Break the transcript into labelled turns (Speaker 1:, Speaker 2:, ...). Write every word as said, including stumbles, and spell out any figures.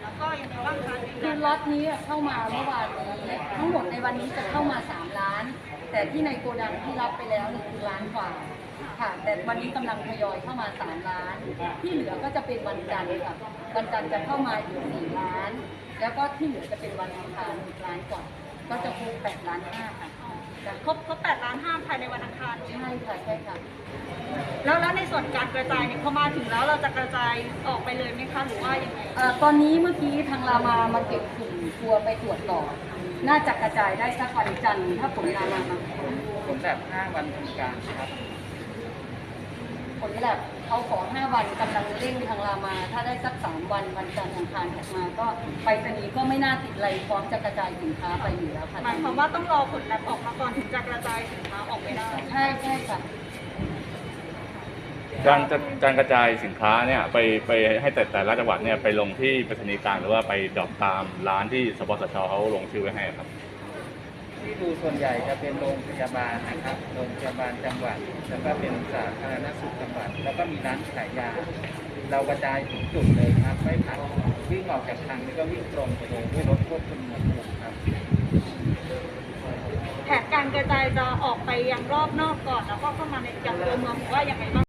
Speaker 1: แล้วก็ยังไงบ้างคะ
Speaker 2: คือล็อตนี้เข้ามาเมื่อวานนี้ทั้งหมดในวันนี้จะเข้ามาสามล้าน แต่ที่ในโกดังที่รับไปแล้วนี่คือล้านกว่าค่ะแต่วันนี้กำลังทยอยเข้ามาสามล้านที่เหลือก็จะเป็นวันจันทร์ค่ะวันจันทร์จะเข้ามาอีกสี่ล้าน แล้วก็ที่เหลือจะเป็นวันอังคารอีกล้านกว่าก็จะครบแปดล้านห้าค่ะ
Speaker 1: ครบครบแปดล้านห้าภายในวันอังคาร
Speaker 2: ใช่ค่ะใช่ค่ะ
Speaker 1: แล้วแล้วในส่วนการกระจายเนี่ยพอมาถึงแล้วเราจะกระจายออกไปเลยไหมคะหรือว่ายังไง
Speaker 2: เอ่อตอนนี้เมื่อกี้ทางรามามาเก็บกลุ่มทัวร์ไปตรวจต่อ น่าจะกระจายได้สักวันจันทร์ถ้าผลรามามา
Speaker 3: ผลแบบห้าวันทำการครับ
Speaker 2: ผลแลบเขาขอห้าวันกำลังเร่งทางรามา ถ้าได้สักสามวันวันจันทร์อังคารออกมา ก็ไปรษณีย์ก็ไม่น่าติดอะไรพร้อมจะกระจายสินค้าไปอยู่แล้วค่ะ
Speaker 1: หมายความว่าต้องรอผลแลบออกมาก่อนถึงจะกระจายสินค้าออกไปได้
Speaker 2: ใช่ใช่ค่ะ
Speaker 4: การจะการกระจายสินค้าเนี่ยไปไปให้แต่แต่ละจังหวัดเนี่ยไปลงที่ไปรษณีย์กลางหรือว่าไปดรอปตามร้านที่สปสชเขาลงชื่อไว้ให้ครับ
Speaker 3: ที่ดูส่วนใหญ่จะเป็นโรงพยาบาลนะครับโรงพยาบาลจังหวัดแล้วก็เป็นสาธารณสุขจังหวัดแล้วก็มีร้านขายยา เรากระจายถึงจุดเลยครับไม่ผ่านวิ่งออกจากทางนี้ก็วิ่งตรงไปเลยด้วยรถควบคุมอุณหภูมิครับ
Speaker 1: แผนการกระจายจะออกไปยังรอบนอกก่อนแล้วก็เข้ามาในยังตัวเมืองหรือว่ายังไงบ้าง